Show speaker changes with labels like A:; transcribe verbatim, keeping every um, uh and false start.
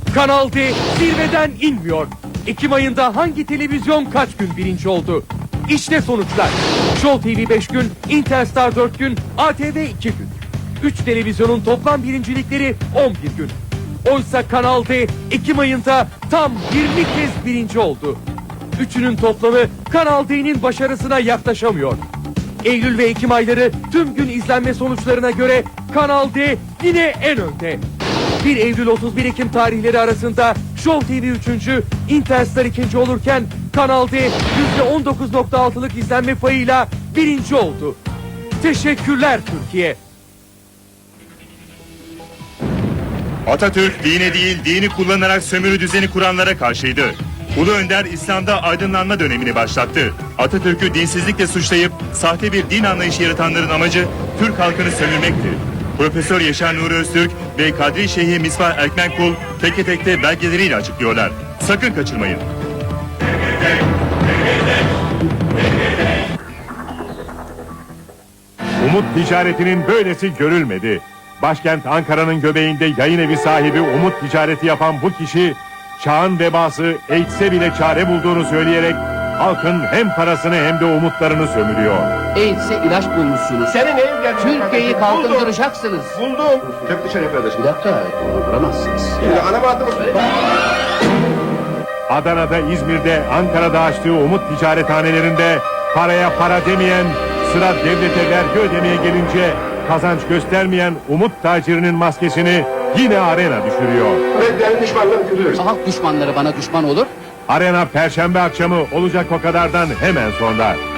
A: Kanal D zirveden inmiyor. Ekim ayında hangi televizyon kaç gün birinci oldu? İşte sonuçlar. Show T V beş gün, Interstar dört gün, A T V iki gün. üç televizyonun toplam birincilikleri on bir gün. Oysa Kanal D Ekim ayında tam yirmi kez birinci oldu. Üçünün toplamı Kanal D'nin başarısına yaklaşamıyor. Eylül ve Ekim ayları tüm gün izlenme sonuçlarına göre Kanal D yine en önde. bir Eylül otuz bir Ekim tarihleri arasında Show T V üçüncü, Interstar ikinci olurken Kanal D yüzde on dokuz nokta altılık izlenme payıyla birinci oldu. Teşekkürler Türkiye.
B: Atatürk dine değil dini kullanarak sömürü düzeni kuranlara karşıydı. Ulu Önder İslam'da aydınlanma dönemini başlattı. Atatürk'ü dinsizlikle suçlayıp sahte bir din anlayışı yaratanların amacı Türk halkını sömürmekti. Profesör Yaşar Nuri Öztürk ve Kadri Şeyhi Misbah Erkmenkul teke tekte belgeleriyle açıklıyorlar. Sakın kaçırmayın.
C: Umut ticaretinin böylesi görülmedi. Başkent Ankara'nın göbeğinde yayın evi sahibi Umut ticareti yapan bu kişi, çağın vebası AIDS'e bile çare bulduğunu söyleyerek halkın hem parasını hem de umutlarını sömürüyor.
D: AIDS'e ilaç bulmuşsunuz.
E: Senin neyin geldi?
D: Türkiye'yi kalkındıracaksınız.
E: Buldum. Çök dışarı kardeşim.
D: Bir dakika, onu vuramazsınız.
E: Şimdi ana bahtımız.
C: Adana'da, İzmir'de, Ankara'da açtığı Umut ticarethanelerinde paraya para demeyen, sıra devlete vergi ödemeye gelince kazanç göstermeyen Umut tacirinin maskesini yine Arena düşürüyor.
E: Ve derin düşmanlarını kırıyoruz.
D: Halk düşmanları bana düşman olur.
C: Arena Perşembe akşamı olacak o kadardan hemen sonra.